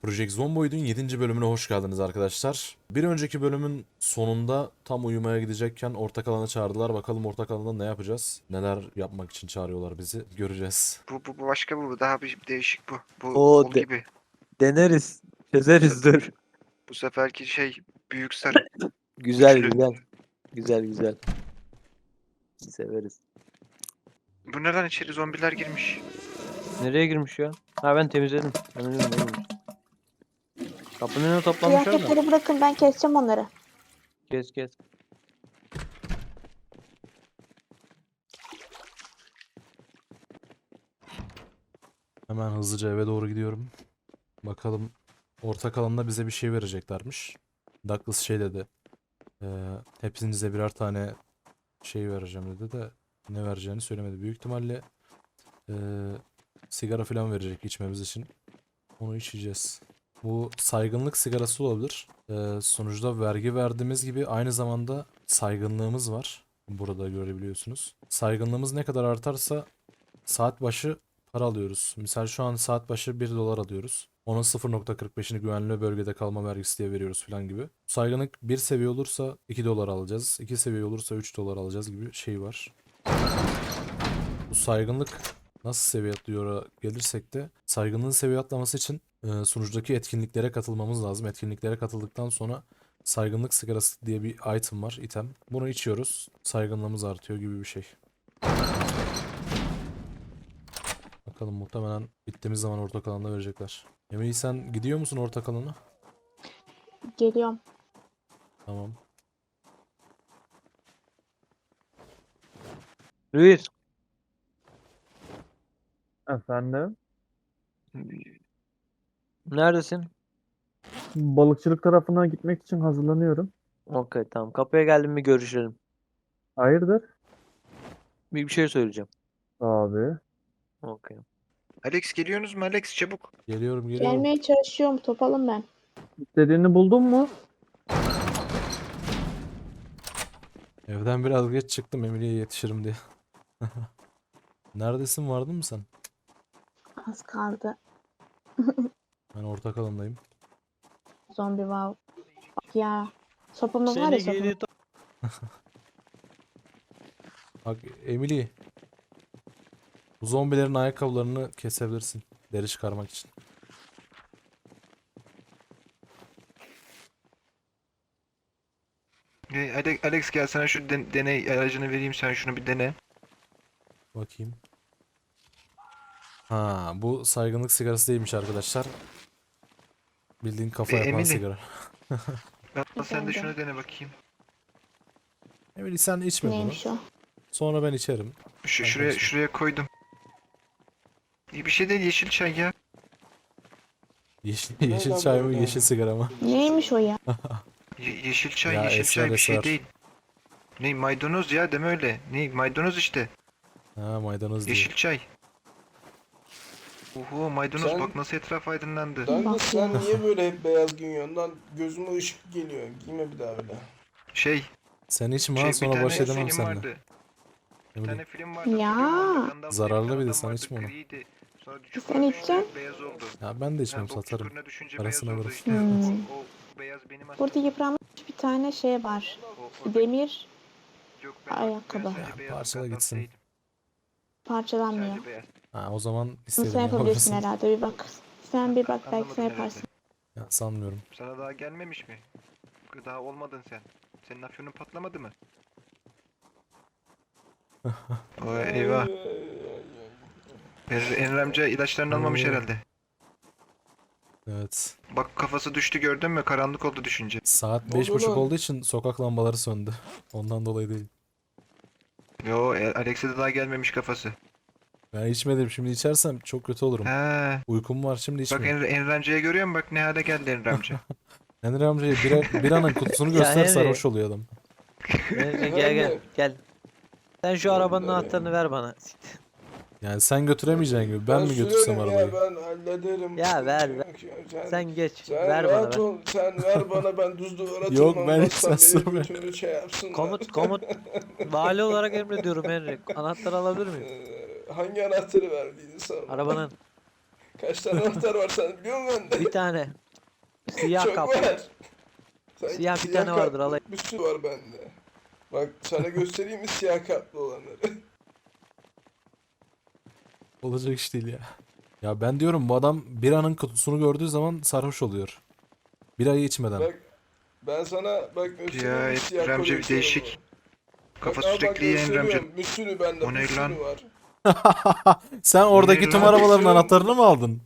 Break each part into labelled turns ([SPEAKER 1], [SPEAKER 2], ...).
[SPEAKER 1] Project Zomboid'un 7. bölümüne hoş geldiniz arkadaşlar. Bir önceki bölümün sonunda tam uyumaya gidecekken ortak alana çağırdılar. Bakalım ortak alanda ne yapacağız? Neler yapmak için çağırıyorlar bizi? Göreceğiz.
[SPEAKER 2] Bu başka bu. Daha bir değişik bu. Bu
[SPEAKER 3] O
[SPEAKER 2] kol gibi.
[SPEAKER 3] deneriz. Çözeriz dur.
[SPEAKER 2] Bu seferki şey büyük sarı.
[SPEAKER 3] Güzel
[SPEAKER 2] Güçlü.
[SPEAKER 3] güzel. Güzel güzel. Severiz.
[SPEAKER 2] Bu neden içeri zombiler girmiş?
[SPEAKER 3] Nereye girmiş ya? Ha ben temizledim. Ben biliyorum, ne girmiş. Kapının önüne toplanmışlar da.
[SPEAKER 4] Kıyafetleri bırakın, ben keseceğim onları.
[SPEAKER 3] Kes kes.
[SPEAKER 1] Hemen hızlıca eve doğru gidiyorum. Bakalım ortak alanda bize bir şey vereceklermiş. Douglas şey dedi. Hepinize birer tane şey vereceğim dedi de ne vereceğini söylemedi. Büyük ihtimalle eee, sigara falan verecek içmemiz için. Onu içeceğiz. Bu saygınlık sigarası olabilir. Sonuçta vergi verdiğimiz gibi aynı zamanda saygınlığımız var. Burada görebiliyorsunuz. Saygınlığımız ne kadar artarsa saat başı para alıyoruz. Misal şu an saat başı 1 dolar alıyoruz. Onun 0,45'ini güvenli bölgede kalma vergisi diye veriyoruz falan gibi. Saygınlık 1 seviye olursa 2 dolar alacağız. 2 seviye olursa 3 dolar alacağız gibi şey var. Bu saygınlık nasıl seviye atlıyor gelirsek de saygınlığın seviye atlaması için sunucudaki etkinliklere katılmamız lazım. Etkinliklere katıldıktan sonra saygınlık sigarası diye bir item var, item. Bunu içiyoruz. Saygınlığımız artıyor gibi bir şey. Bakalım muhtemelen bittiğimiz zaman ortak alanda verecekler. Emily sen gidiyor musun ortak alana?
[SPEAKER 4] Geliyorum.
[SPEAKER 1] Tamam.
[SPEAKER 3] Luis.
[SPEAKER 5] Efendim?
[SPEAKER 3] Neredesin?
[SPEAKER 5] Balıkçılık tarafına gitmek için hazırlanıyorum.
[SPEAKER 3] Okey tamam. Kapıya geldim mi görüşelim.
[SPEAKER 5] Hayırdır?
[SPEAKER 3] Bir şey söyleyeceğim.
[SPEAKER 5] Abi.
[SPEAKER 3] Okey.
[SPEAKER 2] Alex geliyorsunuz mu Alex çabuk.
[SPEAKER 1] Geliyorum.
[SPEAKER 4] Gelmeye çalışıyorum, topalım ben.
[SPEAKER 5] İstediğini buldun mu?
[SPEAKER 1] Evden biraz geç çıktım Emily'ye yetişirim diye. Neredesin, vardın mı sen?
[SPEAKER 4] Az kaldı.
[SPEAKER 1] Ben ortak alandayım.
[SPEAKER 4] Zombi var. Bak ya. Sopamız var ya,
[SPEAKER 3] Seni
[SPEAKER 4] sopamız.
[SPEAKER 3] geri
[SPEAKER 1] Bak Emily. Bu zombilerin ayakkabılarını kesebilirsin. Deri çıkarmak için.
[SPEAKER 2] Alex gel sana şu deney aracını vereyim, sen şunu bir dene.
[SPEAKER 1] Bakayım. Ha, bu saygınlık sigarası değilmiş arkadaşlar. Bildiğin kafa yapan
[SPEAKER 2] Emily.
[SPEAKER 1] sigara.
[SPEAKER 2] Sen de
[SPEAKER 4] Efendim?
[SPEAKER 2] şunu dene bakayım.
[SPEAKER 1] Emily sen içme bunu.
[SPEAKER 4] Neymiş o?
[SPEAKER 1] Sonra ben içerim. Ben
[SPEAKER 2] Şuraya
[SPEAKER 1] kaçtım.
[SPEAKER 2] şuraya koydum. İyi bir şey değil, yeşil çay ya.
[SPEAKER 1] Yeşil çay mı, yeşil sigara mı?
[SPEAKER 4] Neymiş o ya?
[SPEAKER 2] Yeşil çay,
[SPEAKER 1] Ya
[SPEAKER 2] yeşil
[SPEAKER 1] esrar
[SPEAKER 2] çay bir şey
[SPEAKER 1] esrar.
[SPEAKER 2] değil. Ne maydanoz ya, deme öyle. Ne maydanoz işte.
[SPEAKER 1] Ha, maydanoz diyor.
[SPEAKER 2] Yeşil çay. Oho maydanoz,
[SPEAKER 6] Sen-
[SPEAKER 2] bak nasıl etraf aydınlandı.
[SPEAKER 6] Douglas
[SPEAKER 4] Bak
[SPEAKER 6] sen
[SPEAKER 4] ya.
[SPEAKER 6] niye böyle hep beyaz giyiyorsun lan? Gözüme ışık geliyor. Giyme bir daha öyle.
[SPEAKER 2] Şey,
[SPEAKER 1] Sen içme
[SPEAKER 2] şey
[SPEAKER 1] ha,
[SPEAKER 2] bir
[SPEAKER 1] sonra
[SPEAKER 2] tane
[SPEAKER 1] baş edemem
[SPEAKER 2] film
[SPEAKER 1] seninle.
[SPEAKER 2] vardı. Bir
[SPEAKER 1] Emily.
[SPEAKER 2] tane film vardı.
[SPEAKER 4] Ya.
[SPEAKER 2] hatırlıyor musun? Skandal
[SPEAKER 1] Zararlı
[SPEAKER 2] diye
[SPEAKER 1] bir de,
[SPEAKER 2] adam
[SPEAKER 1] sen
[SPEAKER 2] vardı,
[SPEAKER 1] içme onu.
[SPEAKER 2] griydi. Sonra
[SPEAKER 4] Sen
[SPEAKER 2] çukura düştü,
[SPEAKER 4] içeceksin.
[SPEAKER 2] beyaz oldu.
[SPEAKER 1] Ya ben de içmem,
[SPEAKER 2] Bok
[SPEAKER 1] satarım.
[SPEAKER 2] çukuruna düşünce
[SPEAKER 1] Parasını
[SPEAKER 2] beyaz oldu
[SPEAKER 1] alırım.
[SPEAKER 2] işte. O beyaz benim aslında.
[SPEAKER 4] Burada yıpranmış bir tane şey var.
[SPEAKER 2] O-
[SPEAKER 4] Demir
[SPEAKER 2] Yok, ben
[SPEAKER 4] ayakkabı.
[SPEAKER 2] sadece
[SPEAKER 1] Ya,
[SPEAKER 2] beyazım,
[SPEAKER 1] parçala
[SPEAKER 2] Gandalf
[SPEAKER 1] gitsin.
[SPEAKER 2] değil.
[SPEAKER 4] parçalanmıyor.
[SPEAKER 2] Sadece beyaz.
[SPEAKER 1] Ha, o zaman
[SPEAKER 4] Bunu
[SPEAKER 1] istediğini
[SPEAKER 4] sen yapabilirsin
[SPEAKER 1] yapabilirsin.
[SPEAKER 4] herhalde, bir bak. Sen bir bak, belki
[SPEAKER 2] Anlamadın
[SPEAKER 4] sen
[SPEAKER 2] herhalde.
[SPEAKER 4] yaparsın.
[SPEAKER 1] Ya, sanmıyorum.
[SPEAKER 2] Sana daha gelmemiş mi? Daha olmadın sen. Senin afyonun patlamadı mı? O eyvah. Enver amca ilaçlarını almamış
[SPEAKER 1] Oo.
[SPEAKER 2] herhalde.
[SPEAKER 1] Evet.
[SPEAKER 2] Bak kafası düştü, gördün mü? Karanlık oldu düşünce.
[SPEAKER 1] Saat
[SPEAKER 6] Ne oldu
[SPEAKER 1] 5:30
[SPEAKER 6] lan?
[SPEAKER 1] olduğu için sokak lambaları söndü. Ondan dolayı değil.
[SPEAKER 2] Yo, Alex'e de daha gelmemiş kafası.
[SPEAKER 1] Ben içmedim, şimdi içersem çok kötü olurum.
[SPEAKER 2] He.
[SPEAKER 1] Uykum var, şimdi
[SPEAKER 2] Bak
[SPEAKER 1] içmeyeyim.
[SPEAKER 2] Enver amcayı görüyor musun? Bak ne hale geldi Enver amca.
[SPEAKER 1] Henry amcaya biranın kutusunu
[SPEAKER 3] Ya
[SPEAKER 1] göster,
[SPEAKER 3] Henry.
[SPEAKER 1] sarhoş oluyor adam.
[SPEAKER 3] Gel gel gel. Sen şu arabanın anahtarını ver bana.
[SPEAKER 1] Yani sen götüremeyeceksin gibi. Ben mi götürsem
[SPEAKER 6] sürerim
[SPEAKER 1] arabayı?
[SPEAKER 6] ya, ben hallederim.
[SPEAKER 3] Ya ver,
[SPEAKER 6] Sen,
[SPEAKER 3] Sen geç.
[SPEAKER 6] sen
[SPEAKER 3] Ver bana
[SPEAKER 6] rahat
[SPEAKER 3] ver.
[SPEAKER 6] ol. Sen ver bana, ben düz duvara
[SPEAKER 1] Yok,
[SPEAKER 6] tırmanmazsam
[SPEAKER 1] ben sen
[SPEAKER 6] beni
[SPEAKER 1] sürme.
[SPEAKER 6] götürü şey yapsınlar.
[SPEAKER 3] Komut. Vali olarak emrediyorum Henry. Anahtarı alabilir miyim?
[SPEAKER 6] Hangi anahtarı verdiğini sorma.
[SPEAKER 3] Arabanın.
[SPEAKER 6] Kaç tane anahtar var sen biliyor musun bende?
[SPEAKER 3] Bir tane. Siyah
[SPEAKER 6] Çok
[SPEAKER 3] kaplı.
[SPEAKER 6] var. Sanki
[SPEAKER 3] Siyah bir tane vardır,
[SPEAKER 6] kaplı
[SPEAKER 3] alayım.
[SPEAKER 6] bir sürü var bende. Bak sana göstereyim mi siyah kaplı olanları?
[SPEAKER 1] Olacak iş değil ya. Ya ben diyorum bu adam biranın kutusunu gördüğü zaman sarhoş oluyor. Birayı içmeden.
[SPEAKER 6] Bak ben sana bak göstereyim
[SPEAKER 2] Ya
[SPEAKER 6] mi
[SPEAKER 2] hep
[SPEAKER 6] siyah
[SPEAKER 2] Remzi bir
[SPEAKER 6] koleksiyonumu?
[SPEAKER 2] değişik. Kafa
[SPEAKER 6] Bak, al bak
[SPEAKER 2] sürekli yiyen Remzi.
[SPEAKER 6] gösteriyorum. Bir sürü bende
[SPEAKER 2] O ne
[SPEAKER 6] bir sürü
[SPEAKER 2] lan?
[SPEAKER 6] var.
[SPEAKER 1] Sen oradaki
[SPEAKER 2] ne
[SPEAKER 1] tüm
[SPEAKER 2] lan?
[SPEAKER 1] arabaların anahtarını mı aldın?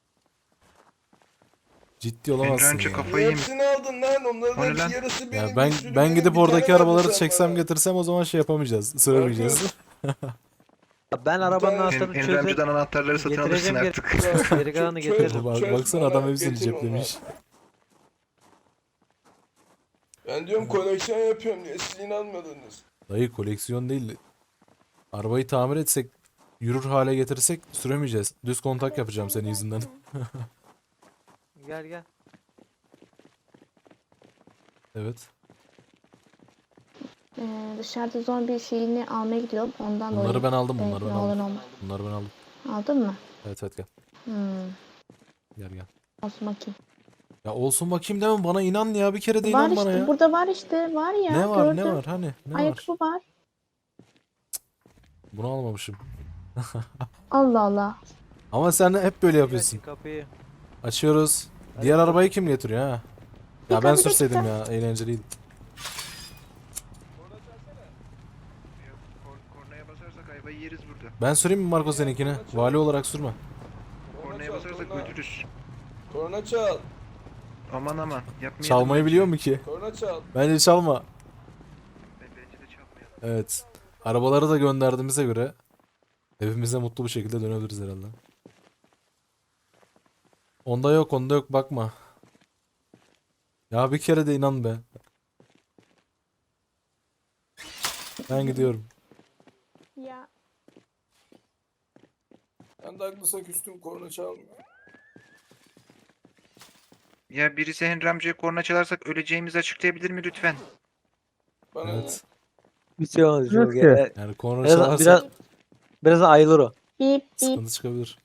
[SPEAKER 1] Ciddi olamazsın
[SPEAKER 2] Remzi
[SPEAKER 1] ya.
[SPEAKER 2] kafayı yemiş.
[SPEAKER 6] Hepsini aldın lan. Onların
[SPEAKER 2] O ne
[SPEAKER 6] hepsi
[SPEAKER 2] lan?
[SPEAKER 6] yarısı benim.
[SPEAKER 1] Ya
[SPEAKER 6] bir
[SPEAKER 1] ben
[SPEAKER 6] sürü
[SPEAKER 1] ben
[SPEAKER 6] benim.
[SPEAKER 1] gidip
[SPEAKER 6] Bir tane
[SPEAKER 1] oradaki
[SPEAKER 6] verdin
[SPEAKER 1] arabaları
[SPEAKER 6] sen
[SPEAKER 1] çeksem
[SPEAKER 6] bana.
[SPEAKER 1] getirsem o zaman şey yapamayacağız. Süremeyeceğiz.
[SPEAKER 3] Ben arabanın
[SPEAKER 6] tane-
[SPEAKER 3] anahtarını
[SPEAKER 2] Hem
[SPEAKER 3] çözüp
[SPEAKER 2] Remzi'den anahtarları satın
[SPEAKER 3] getireceğim
[SPEAKER 2] alırsın
[SPEAKER 3] geri.
[SPEAKER 2] artık.
[SPEAKER 3] Geri kalanını
[SPEAKER 6] Çöz-
[SPEAKER 3] getiririm.
[SPEAKER 1] Bak,
[SPEAKER 6] çöz
[SPEAKER 1] baksana adam
[SPEAKER 6] bana,
[SPEAKER 1] hepsini
[SPEAKER 6] getir onu.
[SPEAKER 1] ceplemiş.
[SPEAKER 6] Ben diyorum koleksiyon yapıyorum diye siz inanmadınız.
[SPEAKER 1] Dayı koleksiyon değil. Arabayı tamir etsek, yürür hale getirsek süremeyeceğiz. Düz kontak yapacağım senin yüzünden.
[SPEAKER 3] Gel gel.
[SPEAKER 1] Evet.
[SPEAKER 4] Dışarıda zombi şeyini almaya gidiyorum. Ondan
[SPEAKER 1] Bunları
[SPEAKER 4] dolayı.
[SPEAKER 1] ben aldım,
[SPEAKER 4] Evet,
[SPEAKER 1] bunları ben
[SPEAKER 4] ne olur
[SPEAKER 1] aldım.
[SPEAKER 4] ne olmaz.
[SPEAKER 1] Bunları ben aldım.
[SPEAKER 4] Aldın mı?
[SPEAKER 1] Evet evet gel.
[SPEAKER 4] Hmm.
[SPEAKER 1] Gel gel.
[SPEAKER 4] Olsun bakayım.
[SPEAKER 1] Ya olsun bakayım deme bana inan ya bir kere de
[SPEAKER 4] Var
[SPEAKER 1] inan bana
[SPEAKER 4] işte.
[SPEAKER 1] ya.
[SPEAKER 4] Burada var işte. Var ya.
[SPEAKER 1] Ne var ne
[SPEAKER 4] gördüm.
[SPEAKER 1] var hani ne var?
[SPEAKER 4] Ayakkabı var.
[SPEAKER 1] Bunu almamışım.
[SPEAKER 4] Allah Allah.
[SPEAKER 1] Ama sen hep böyle
[SPEAKER 3] Açın
[SPEAKER 1] yapıyorsun.
[SPEAKER 3] kapıyı.
[SPEAKER 1] Açıyoruz.
[SPEAKER 3] Hadi
[SPEAKER 1] Diğer
[SPEAKER 3] bakalım.
[SPEAKER 1] arabayı kim getiriyor ha? Ya
[SPEAKER 4] dakika,
[SPEAKER 1] ben
[SPEAKER 4] bir
[SPEAKER 1] sürseydim
[SPEAKER 4] dakika.
[SPEAKER 1] ya eğlenceliydi.
[SPEAKER 2] Kornaya basarsak ayvayı yeriz burada.
[SPEAKER 1] Ben süreyim mi Marco seninkini? Vali olarak sürme.
[SPEAKER 2] Kornaya
[SPEAKER 6] çal,
[SPEAKER 2] basarsak
[SPEAKER 6] korna.
[SPEAKER 2] öldürürüz.
[SPEAKER 6] Korna çal.
[SPEAKER 2] Aman aman. Yapmayalım.
[SPEAKER 1] Çalmayı biliyor mu ki?
[SPEAKER 6] Korna çal.
[SPEAKER 1] Bence çalma.
[SPEAKER 2] Bence de çalmayalım.
[SPEAKER 1] Evet. Arabaları da gönderdiğimize göre evimize mutlu bir şekilde dönebiliriz herhalde. Onda yok, onda yok bakma. Ya bir kere de inan be. Ben gidiyorum.
[SPEAKER 4] Ya.
[SPEAKER 6] Ben de haklısın küstüm korna çalmıyor.
[SPEAKER 2] Ya birisi Henry amcaya korna çalarsak öleceğimizi açıklayabilir mi lütfen?
[SPEAKER 6] Bana
[SPEAKER 1] Evet.
[SPEAKER 3] Bir şey olmaz.
[SPEAKER 5] Yok
[SPEAKER 3] Çok
[SPEAKER 5] ki.
[SPEAKER 3] ya.
[SPEAKER 1] Yani korna
[SPEAKER 3] Biraz,
[SPEAKER 1] çalarsa
[SPEAKER 3] biraz ayılır o.
[SPEAKER 4] Bip bip.
[SPEAKER 1] sıkıntı çıkabilir.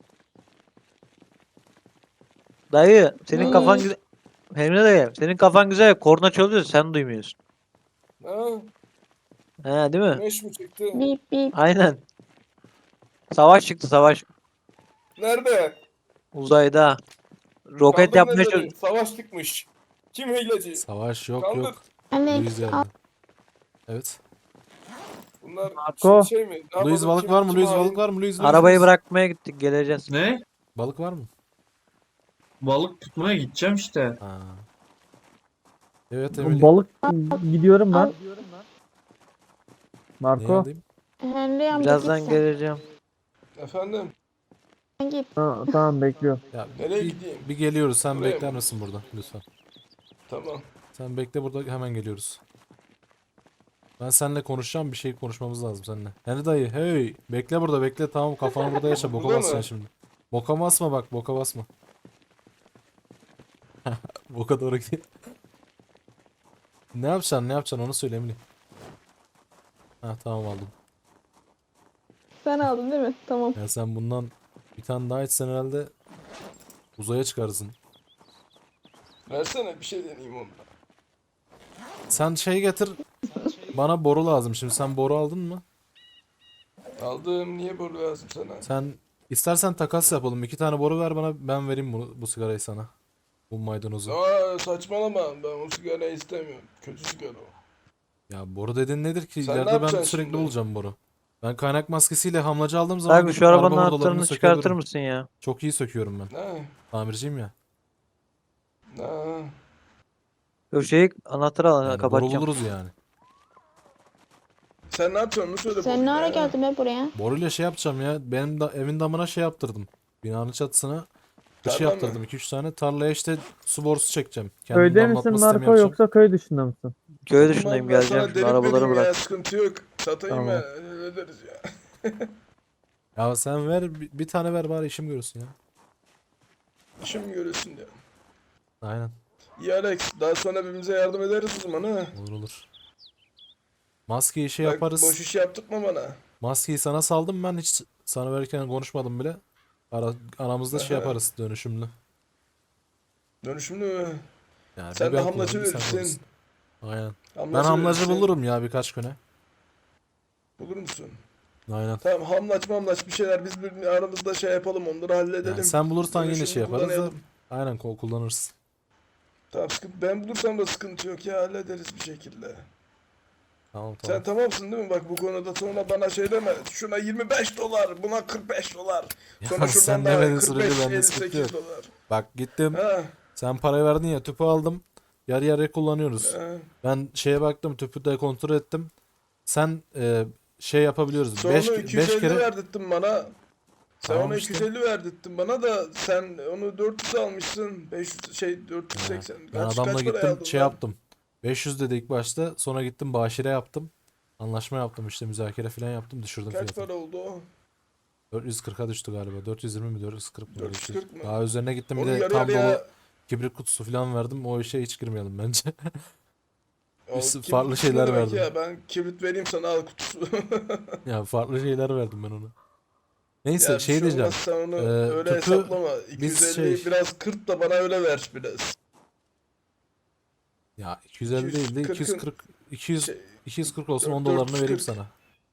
[SPEAKER 3] Dayı senin
[SPEAKER 4] Ne?
[SPEAKER 3] kafan güzel. Emre dayı senin kafan güzel. Korna çalıyor sen duymuyorsun.
[SPEAKER 6] ha,
[SPEAKER 3] He değil mi?
[SPEAKER 6] güneş mi çıktı?
[SPEAKER 4] Bip bip.
[SPEAKER 3] Aynen. Savaş çıktı savaş.
[SPEAKER 6] Nerede?
[SPEAKER 3] Uzayda. Roket
[SPEAKER 6] Kaldır
[SPEAKER 3] yapmaya
[SPEAKER 6] neleri?
[SPEAKER 3] çalışıyor.
[SPEAKER 6] Savaş çıkmış. Kim hileci?
[SPEAKER 1] Savaş yok
[SPEAKER 6] Kaldır.
[SPEAKER 1] yok.
[SPEAKER 4] Alex
[SPEAKER 1] Louis
[SPEAKER 4] al.
[SPEAKER 1] geldi. Evet.
[SPEAKER 6] Bunlar
[SPEAKER 5] Marco.
[SPEAKER 6] şey mi? Ne
[SPEAKER 1] Louis
[SPEAKER 6] yapalım?
[SPEAKER 1] balık
[SPEAKER 6] Kim-
[SPEAKER 1] var mı?
[SPEAKER 6] kim
[SPEAKER 1] Louis
[SPEAKER 6] hain?
[SPEAKER 1] balık var mı? Louis
[SPEAKER 3] Arabayı
[SPEAKER 1] Louis.
[SPEAKER 3] bırakmaya gittik geleceğiz.
[SPEAKER 7] Ne?
[SPEAKER 1] Balık var mı?
[SPEAKER 7] Balık tutmaya gideceğim işte.
[SPEAKER 1] Ha. Evet
[SPEAKER 5] Bu
[SPEAKER 1] Emily.
[SPEAKER 5] balık gidiyorum ben.
[SPEAKER 4] Al.
[SPEAKER 1] Neyi
[SPEAKER 5] Marco.
[SPEAKER 1] alayım?
[SPEAKER 4] Henry amca
[SPEAKER 3] Birazdan
[SPEAKER 4] git sen.
[SPEAKER 3] geleceğim.
[SPEAKER 6] Efendim?
[SPEAKER 4] Sen git.
[SPEAKER 5] Ha, tamam bekliyorum.
[SPEAKER 1] Ya
[SPEAKER 6] Nereye
[SPEAKER 1] bir,
[SPEAKER 6] gideyim?
[SPEAKER 1] bir geliyoruz. Sen
[SPEAKER 6] Buraya
[SPEAKER 1] bekler
[SPEAKER 6] mı?
[SPEAKER 1] misin burada lütfen?
[SPEAKER 6] Tamam.
[SPEAKER 1] Sen bekle burada hemen geliyoruz. Ben seninle konuşacağım bir şey konuşmamız lazım seninle. Henry dayı hey bekle burada bekle tamam kafanı burada yaşa boka
[SPEAKER 6] Burada
[SPEAKER 1] bas sen
[SPEAKER 6] mı?
[SPEAKER 1] şimdi. Boka basma bak boka basma. Boka doğru gidiyor. Ne yapacaksın onu söyle Emily. Ha tamam aldım.
[SPEAKER 4] Sen aldın değil mi? Tamam.
[SPEAKER 1] Ya sen bundan bir tane daha içsen herhalde uzaya çıkarsın.
[SPEAKER 6] Versene bir şey deneyeyim ondan.
[SPEAKER 1] Sen şey getir. Bana boru lazım. Şimdi sen boru aldın mı?
[SPEAKER 6] Aldım. Niye boru lazım sana?
[SPEAKER 1] Sen istersen takas yapalım. 2 tane boru ver bana. Ben vereyim bu sigarayı sana. Bu maydanozu.
[SPEAKER 6] Aa, saçmalama. Ben o sigarayı istemiyorum. Kötü sigara o.
[SPEAKER 1] Ya boru dedin nedir ki?
[SPEAKER 6] Sen ne
[SPEAKER 1] İleride ben
[SPEAKER 6] yapacaksın
[SPEAKER 1] sürekli
[SPEAKER 6] şimdi?
[SPEAKER 1] bulacağım boru. Ben kaynak maskesiyle hamlacı aldığım zaman
[SPEAKER 3] Abi
[SPEAKER 1] gidip
[SPEAKER 3] şu arabanın
[SPEAKER 1] araba hurdalarını
[SPEAKER 3] anahtarını çıkartır
[SPEAKER 1] sökebilirim.
[SPEAKER 3] mısın ya?
[SPEAKER 1] Çok iyi söküyorum ben.
[SPEAKER 6] Ne?
[SPEAKER 1] Tamirciyim ya.
[SPEAKER 6] Ne?
[SPEAKER 3] Yok şey anahtarı al
[SPEAKER 1] Yani boru
[SPEAKER 3] kapatacağım.
[SPEAKER 1] buluruz yani.
[SPEAKER 6] Sen ne yapıyorsun? Onu söyle
[SPEAKER 4] Sen
[SPEAKER 6] boru
[SPEAKER 4] ne ara
[SPEAKER 6] ya.
[SPEAKER 4] geldin be buraya?
[SPEAKER 1] Boruyla şey yapacağım ya. Benim da evin damına şey yaptırdım. Binanın çatısına dışı
[SPEAKER 6] Tarla mı?
[SPEAKER 1] yaptırdım 2-3 tane. Tarlaya işte su borusu çekeceğim. Kendim
[SPEAKER 5] Köyde
[SPEAKER 1] damlatma
[SPEAKER 5] misin
[SPEAKER 1] sistemi
[SPEAKER 5] Marco
[SPEAKER 1] yapacağım.
[SPEAKER 5] yoksa köy dışında mısın?
[SPEAKER 3] Köy
[SPEAKER 6] Tamam,
[SPEAKER 3] dışındayım
[SPEAKER 6] ben
[SPEAKER 3] geleceğim.
[SPEAKER 6] sana
[SPEAKER 3] Şimdi
[SPEAKER 6] delik
[SPEAKER 3] arabaları
[SPEAKER 6] vereyim ya,
[SPEAKER 3] bırak.
[SPEAKER 6] sıkıntı yok. Satayım
[SPEAKER 5] Tamam.
[SPEAKER 6] ben. Hallederiz ya.
[SPEAKER 1] Ya sen ver bir tane ver bari işim görürsün ya.
[SPEAKER 6] İşim görürsün ya.
[SPEAKER 1] Aynen.
[SPEAKER 6] İyi Alex. Daha sonra birbirimize yardım ederiz o zaman ha.
[SPEAKER 1] Olur olur. Maskeyi şey
[SPEAKER 6] Bak,
[SPEAKER 1] yaparız.
[SPEAKER 6] boş iş yaptırtma bana.
[SPEAKER 1] Maskeyi sana saldım ben hiç sana verirken konuşmadım bile. Aramızda şey
[SPEAKER 6] Aha.
[SPEAKER 1] yaparız dönüşümlü.
[SPEAKER 6] Dönüşümlü mü?
[SPEAKER 1] Yani
[SPEAKER 6] Sen
[SPEAKER 1] bir
[SPEAKER 6] de
[SPEAKER 1] ben
[SPEAKER 6] hamlacı
[SPEAKER 1] kullanırım, sen
[SPEAKER 6] verirsin.
[SPEAKER 1] kullanırsın. Aynen. Ben
[SPEAKER 6] Hamlacı
[SPEAKER 1] hamlacı
[SPEAKER 6] verirsin.
[SPEAKER 1] bulurum ya birkaç güne.
[SPEAKER 6] Bulur musun?
[SPEAKER 1] Aynen.
[SPEAKER 6] Tamam, hamlaç bir şeyler biz aramızda şey yapalım, onları halledelim.
[SPEAKER 1] Yani sen bulursan yine
[SPEAKER 6] Dönüşümlü
[SPEAKER 1] şey yaparız da.
[SPEAKER 6] kullanalım.
[SPEAKER 1] Aynen kullanırız.
[SPEAKER 6] Tamam, ben bulursam da sıkıntı yok ya, hallederiz bir şekilde.
[SPEAKER 1] Tamam
[SPEAKER 6] Sen
[SPEAKER 1] tamam.
[SPEAKER 6] tamamsın değil mi? Bak bu konuda sonra bana şey deme. Şuna 25 dolar, buna 45 dolar. Sonra
[SPEAKER 1] Ya
[SPEAKER 6] şuradan
[SPEAKER 1] sen
[SPEAKER 6] da
[SPEAKER 1] demediğin
[SPEAKER 6] 45,
[SPEAKER 1] sürece bende sıkıntı
[SPEAKER 6] 58
[SPEAKER 1] yok.
[SPEAKER 6] dolar.
[SPEAKER 1] Bak gittim.
[SPEAKER 6] Ha,
[SPEAKER 1] Sen parayı verdin ya, tüpü aldım. Yarı yarıya kullanıyoruz.
[SPEAKER 6] ha.
[SPEAKER 1] Ben şeye baktım, tüpü de kontrol ettim. Sen şey yapabiliyoruz.
[SPEAKER 6] Sonra
[SPEAKER 1] 5
[SPEAKER 6] 250
[SPEAKER 1] kere
[SPEAKER 6] verdirttin bana. Sen
[SPEAKER 1] Tamam
[SPEAKER 6] ona
[SPEAKER 1] işte.
[SPEAKER 6] 250 verdirttin bana da sen onu 400 almışsın. 500 şey 480.
[SPEAKER 1] ben
[SPEAKER 6] Kaç
[SPEAKER 1] adamla
[SPEAKER 6] paraya
[SPEAKER 1] gittim
[SPEAKER 6] aldın
[SPEAKER 1] şey
[SPEAKER 6] lan?
[SPEAKER 1] yaptım. 500 dedi ilk başta. Sonra gittim başire yaptım. Anlaşma yaptım işte, müzakere falan yaptım, düşürdüm
[SPEAKER 6] Kaç
[SPEAKER 1] fiyatını.
[SPEAKER 6] para oldu o?
[SPEAKER 1] 440'a düştü galiba. 420 mi 440 mı? Öyle bir şey.
[SPEAKER 6] 440 mı?
[SPEAKER 1] Daha üzerine gittim, bir
[SPEAKER 6] Onu
[SPEAKER 1] de
[SPEAKER 6] yarı
[SPEAKER 1] tam dolu
[SPEAKER 6] yarıya
[SPEAKER 1] kibrit kutusu falan verdim. O işe hiç girmeyelim bence.
[SPEAKER 6] o
[SPEAKER 1] Biz
[SPEAKER 6] kibrit
[SPEAKER 1] farklı
[SPEAKER 6] kutusu ne
[SPEAKER 1] şeyler
[SPEAKER 6] demek
[SPEAKER 1] verdim.
[SPEAKER 6] Ya ben kibrit vereyim sana, al kutusu.
[SPEAKER 1] Ya farklı şeyler verdim ben ona. Neyse
[SPEAKER 6] Ya bir
[SPEAKER 1] şey
[SPEAKER 6] şey
[SPEAKER 1] diyeceğim.
[SPEAKER 6] olmaz, sen onu
[SPEAKER 1] Ee,
[SPEAKER 6] öyle
[SPEAKER 1] tüpü
[SPEAKER 6] hesaplama.
[SPEAKER 1] biz
[SPEAKER 6] 250
[SPEAKER 1] şey-
[SPEAKER 6] biraz kırt da bana öyle ver biraz.
[SPEAKER 1] Ya 250 değil de
[SPEAKER 6] 240'ın
[SPEAKER 1] 240 200
[SPEAKER 6] şey,
[SPEAKER 1] 240 olsun, 10
[SPEAKER 6] 440.
[SPEAKER 1] dolarını vereyim sana.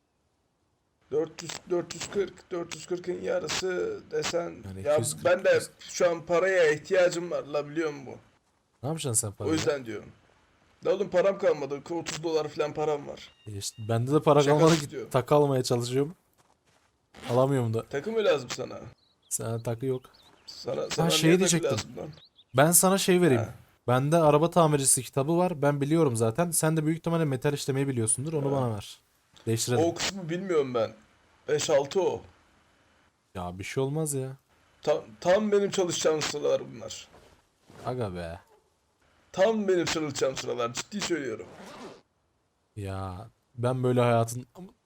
[SPEAKER 6] 440'ın yarısı desen
[SPEAKER 1] Yani
[SPEAKER 6] ya
[SPEAKER 1] 240,
[SPEAKER 6] ben de
[SPEAKER 1] 200.
[SPEAKER 6] şu an paraya ihtiyacım var la, biliyor musun?
[SPEAKER 1] Ne yapacaksın sen
[SPEAKER 6] O
[SPEAKER 1] parayla?
[SPEAKER 6] yüzden diyorum. La oğlum, param kalmadı. 30 dolar falan param var.
[SPEAKER 1] İşte bende de para
[SPEAKER 6] Şaka
[SPEAKER 1] kalmadı ki,
[SPEAKER 6] istiyorum.
[SPEAKER 1] takı almaya çalışıyorum. Alamıyorum da.
[SPEAKER 6] Takı mı lazım sana?
[SPEAKER 1] Sana takı yok.
[SPEAKER 6] Sana
[SPEAKER 1] şey
[SPEAKER 6] niye takı
[SPEAKER 1] diyecektim.
[SPEAKER 6] lazım lan?
[SPEAKER 1] Ben sana şey vereyim.
[SPEAKER 6] Ha.
[SPEAKER 1] Bende araba tamircisi kitabı var. Ben biliyorum zaten. Sen de büyük ihtimalle metal işlemeyi biliyorsundur. Onu
[SPEAKER 6] Ha.
[SPEAKER 1] bana ver. Değiştirelim.
[SPEAKER 6] O kısmı bilmiyorum ben. 5-6 o.
[SPEAKER 1] Ya bir şey olmaz ya.
[SPEAKER 6] Tam benim çalışacağım sıralar bunlar.
[SPEAKER 1] Aga be.
[SPEAKER 6] Tam benim çalışacağım sıralar, ciddi söylüyorum.
[SPEAKER 1] Ya ben böyle hayatın...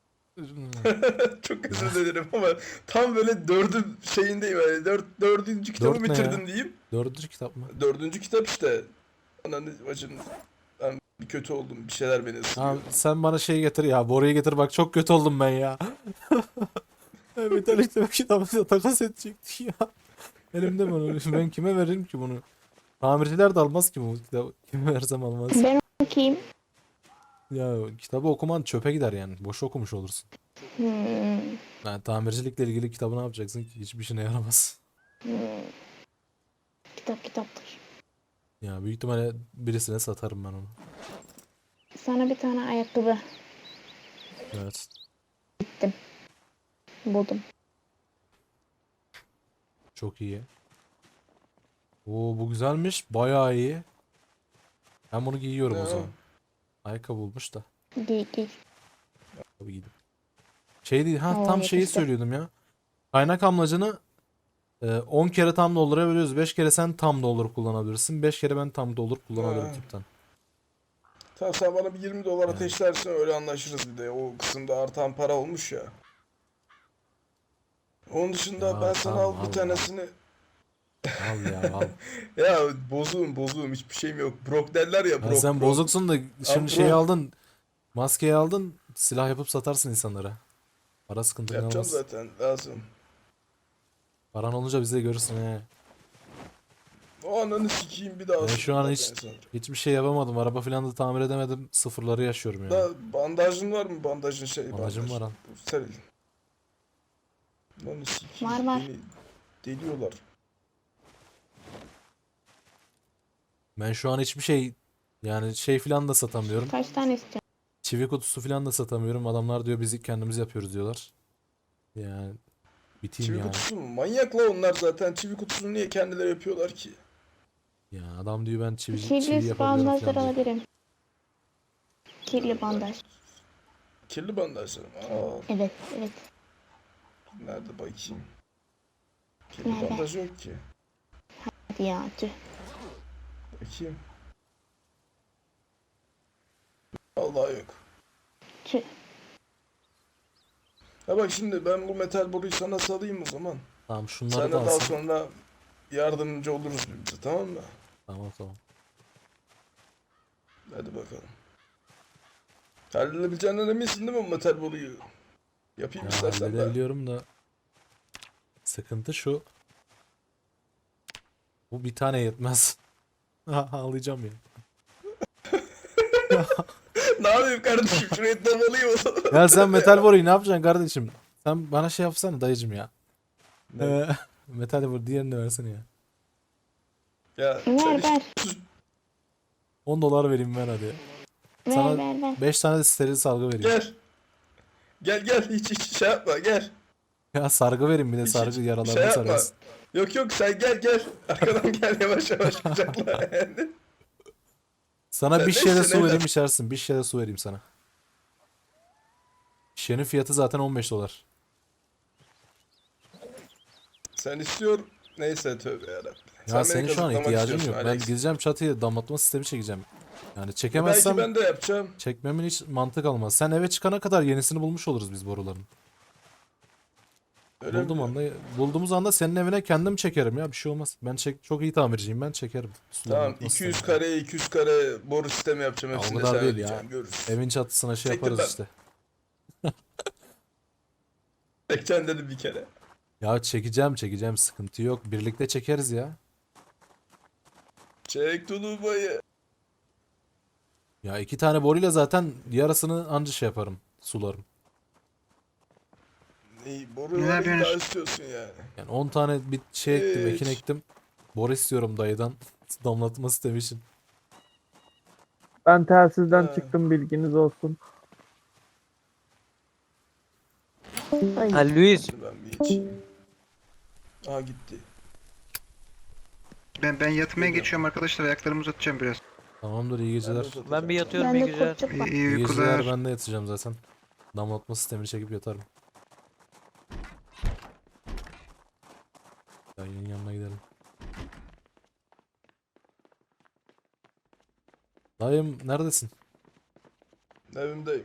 [SPEAKER 6] Çok özür dilerim ama tam böyle dördün şeyindeyim, yani dördüncü kitabı
[SPEAKER 1] Dört ne ya?
[SPEAKER 6] bitirdim diyeyim.
[SPEAKER 1] Dördüncü kitap mı?
[SPEAKER 6] Dördüncü kitap işte. Ananı bacın, ben bir kötü oldum, bir şeyler beni ısırıyor.
[SPEAKER 1] Abi sen bana şey getir ya. Boruyu getir, bak çok kötü oldum ben ya. Metal işleme kitabı takas edecektik ya. Elimde mi onu? Ben kime veririm ki bunu? Tamirciler de almaz ki bu kitabı. Kime versem almaz.
[SPEAKER 4] Ben okuyayım.
[SPEAKER 1] Ya kitabı okuman çöpe gider yani. Boş okumuş olursun.
[SPEAKER 4] Hmm,
[SPEAKER 1] Yani tamircilikle ilgili kitabı ne yapacaksın ki? Hiçbir işine yaramaz.
[SPEAKER 4] hmm. Kitap kitaptır.
[SPEAKER 1] Ya büyük ihtimalle birisine satarım ben onu.
[SPEAKER 4] Sana bir tane ayakkabı
[SPEAKER 1] Evet.
[SPEAKER 4] buldum.
[SPEAKER 1] Çok iyi. Oo bu güzelmiş. Bayağı iyi. Ben bunu giyiyorum
[SPEAKER 6] Ne
[SPEAKER 1] o
[SPEAKER 6] o?
[SPEAKER 1] zaman. Ayakkabı bulmuş da.
[SPEAKER 4] Giy giy.
[SPEAKER 1] Tabii giydim. Şey değil. Ha
[SPEAKER 4] Oo,
[SPEAKER 1] tam şeyi
[SPEAKER 4] yakıştı.
[SPEAKER 1] söylüyordum ya. Kaynak amlacını 10 kere tam doldurabiliyoruz. 5 kere sen tam doldur kullanabilirsin. 5 kere ben tam doldur kullanabilirim
[SPEAKER 6] Ha.
[SPEAKER 1] tipten.
[SPEAKER 6] Tamam, sen bana bir 20 dolar
[SPEAKER 1] Yani.
[SPEAKER 6] ateşlersin, öyle anlaşırız bir de. O kısımda artan para olmuş ya. Onun dışında
[SPEAKER 1] Ya
[SPEAKER 6] ben sana
[SPEAKER 1] tamam,
[SPEAKER 6] al
[SPEAKER 1] al,
[SPEAKER 6] bir tanesini.
[SPEAKER 1] Al ya al.
[SPEAKER 6] Ya bozuğum, hiçbir şeyim yok. Brok derler ya,
[SPEAKER 1] Ya
[SPEAKER 6] brok
[SPEAKER 1] sen
[SPEAKER 6] brok.
[SPEAKER 1] bozuksun da şimdi şeyi
[SPEAKER 6] bro.
[SPEAKER 1] aldın. Maskeyi aldın. Silah yapıp satarsın insanlara. Para sıkıntı
[SPEAKER 6] Yapacağım
[SPEAKER 1] olmaz.
[SPEAKER 6] zaten, lazım.
[SPEAKER 1] Paran olunca bizi de görürsün he.
[SPEAKER 6] O ananı sikeyim bir daha.
[SPEAKER 1] Ben şu an
[SPEAKER 6] sıkma
[SPEAKER 1] hiç
[SPEAKER 6] ben sana.
[SPEAKER 1] hiçbir şey yapamadım. Araba falan da tamir edemedim. Sıfırları yaşıyorum ya.
[SPEAKER 6] Da bandajın var mı? Bandajın
[SPEAKER 1] Bandajım var al.
[SPEAKER 6] Bu steril. Lan sikeyim.
[SPEAKER 4] Var, var.
[SPEAKER 6] Beni deliyorlar.
[SPEAKER 1] Ben şu an hiçbir şey, yani şey falan da satamıyorum.
[SPEAKER 4] Kaç tane istiyorsun?
[SPEAKER 1] Çivi kutusu falan da satamıyorum. Adamlar diyor biz kendimiz yapıyoruz diyorlar. Yani biteyim
[SPEAKER 6] Çivi
[SPEAKER 1] yani.
[SPEAKER 6] kutusu mu? Manyak la onlar zaten. Çivi kutusunu niye kendileri yapıyorlar ki?
[SPEAKER 1] Ya adam diyor ben çivi
[SPEAKER 4] Kirli
[SPEAKER 1] yapabiliyorum
[SPEAKER 4] bandajlar
[SPEAKER 1] falan diyor.
[SPEAKER 4] alabilirim. Kirli bandaj.
[SPEAKER 6] Kirli bandajlar mı? Aa,
[SPEAKER 4] Evet evet.
[SPEAKER 6] nerede bakayım? Kirli
[SPEAKER 4] Nerede?
[SPEAKER 6] bandaj yok ki.
[SPEAKER 4] Hadi ya tüh.
[SPEAKER 6] Bakayım. Vallahi yok.
[SPEAKER 4] Tüh.
[SPEAKER 6] Ha bak, şimdi ben bu metal boruyu sana salayım o zaman.
[SPEAKER 1] Tamam
[SPEAKER 6] Sen
[SPEAKER 1] şunları
[SPEAKER 6] de
[SPEAKER 1] da
[SPEAKER 6] daha
[SPEAKER 1] alsın.
[SPEAKER 6] sonra yardımcı oluruz birbirimize, tamam mı?
[SPEAKER 1] Tamam tamam.
[SPEAKER 6] Hadi bakalım. Halledebileceğinden eminsin değil mi bu metal boruyu? Yapayım
[SPEAKER 1] Ya
[SPEAKER 6] istersen ben.
[SPEAKER 1] halledebiliyorum da Sıkıntı şu. Bu bir tane yetmez. Ağlayacağım ya.
[SPEAKER 6] Ne yapayım kardeşim? Şurayı damalıyım o zaman.
[SPEAKER 1] Ya sen metal boruyu ne yapacaksın kardeşim? Sen bana şey yapsana dayıcım ya.
[SPEAKER 6] Ne?
[SPEAKER 1] Metal boru diğerini de versene ya.
[SPEAKER 6] Ya sen
[SPEAKER 4] Ver
[SPEAKER 6] işte
[SPEAKER 4] ver.
[SPEAKER 1] 10 dolar vereyim ben hadi.
[SPEAKER 4] Ver
[SPEAKER 1] Sana
[SPEAKER 4] ver ver.
[SPEAKER 1] 5 tane de steril sargı vereyim.
[SPEAKER 6] gel. Gel hiç şey yapma gel.
[SPEAKER 1] Ya sargı vereyim bir de
[SPEAKER 6] Hiç
[SPEAKER 1] sargı
[SPEAKER 6] şey
[SPEAKER 1] yaralarını
[SPEAKER 6] yapma.
[SPEAKER 1] sararsın.
[SPEAKER 6] Yok sen gel. Arkadan gel yavaş kucakla yani.
[SPEAKER 1] Sana
[SPEAKER 6] Sen
[SPEAKER 1] bir şişe de
[SPEAKER 6] neyse,
[SPEAKER 1] su
[SPEAKER 6] neyse.
[SPEAKER 1] vereyim içersin. Bir şişe de su vereyim sana. Şişenin fiyatı zaten 15 dolar.
[SPEAKER 6] Sen istiyor. Neyse tövbe yarabbim.
[SPEAKER 1] Ya
[SPEAKER 6] Sen
[SPEAKER 1] senin
[SPEAKER 6] beni
[SPEAKER 1] şu an
[SPEAKER 6] kazıklamak
[SPEAKER 1] ihtiyacın
[SPEAKER 6] istiyorsun
[SPEAKER 1] yok. Ben
[SPEAKER 6] Alex.
[SPEAKER 1] gideceğim çatıya damlatma sistemi çekeceğim. Yani
[SPEAKER 6] Belki
[SPEAKER 1] çekemezsem
[SPEAKER 6] ben de yapacağım.
[SPEAKER 1] çekmemin hiç mantık almaz. Sen eve çıkana kadar yenisini bulmuş oluruz biz boruların.
[SPEAKER 6] Öyle mi?
[SPEAKER 1] Bulduğumuz anda senin evine kendim çekerim ya bir şey olmaz. Ben çok iyi tamirciyim ben çekerim. Su
[SPEAKER 6] Tamam
[SPEAKER 1] damlatma
[SPEAKER 6] 200
[SPEAKER 1] sistemi.
[SPEAKER 6] kare 200 kare boru sistemi yapacağım.
[SPEAKER 1] Ya o
[SPEAKER 6] Hepsini de
[SPEAKER 1] kadar
[SPEAKER 6] sen
[SPEAKER 1] değil ya.
[SPEAKER 6] ödeyeceksin. Görürüz.
[SPEAKER 1] Evin çatısına şey
[SPEAKER 6] Çektim
[SPEAKER 1] yaparız
[SPEAKER 6] ben.
[SPEAKER 1] işte.
[SPEAKER 6] Çekeceksin dedim bir kere.
[SPEAKER 1] Ya çekeceğim sıkıntı yok. Birlikte çekeriz ya.
[SPEAKER 6] Çek tulubayı.
[SPEAKER 1] Ya 2 tane boruyla zaten yarısını anca şey yaparım. Sularım.
[SPEAKER 6] Neyi boru
[SPEAKER 2] Ne
[SPEAKER 6] var
[SPEAKER 2] yapıyorsun?
[SPEAKER 6] daha istiyorsun yani.
[SPEAKER 1] Yani 10 tane bir şey ektim, ekin
[SPEAKER 6] Hiç.
[SPEAKER 1] ektim. Boru istiyorum dayıdan. Damlatma sistemi için.
[SPEAKER 5] Ben telsizden
[SPEAKER 6] Ha.
[SPEAKER 5] çıktım, bilginiz olsun.
[SPEAKER 3] Ha Luis.
[SPEAKER 6] Ben bir içeyim. Aa gitti.
[SPEAKER 2] Ben yatmaya
[SPEAKER 6] Geliyor.
[SPEAKER 2] geçiyorum arkadaşlar. Ayaklarımı uzatacağım biraz.
[SPEAKER 1] Tamamdır iyi geceler.
[SPEAKER 3] Ben bir yatıyorum
[SPEAKER 4] Ben
[SPEAKER 3] iyi
[SPEAKER 4] de
[SPEAKER 3] geceler.
[SPEAKER 4] kurtçuk var.
[SPEAKER 2] İyi
[SPEAKER 1] İyi geceler
[SPEAKER 2] uykular.
[SPEAKER 1] ben de yatacağım zaten. Damlatma sistemini çekip yatarım. Dayının yanına gidelim. Dayım neredesin?
[SPEAKER 6] Evimdeyim.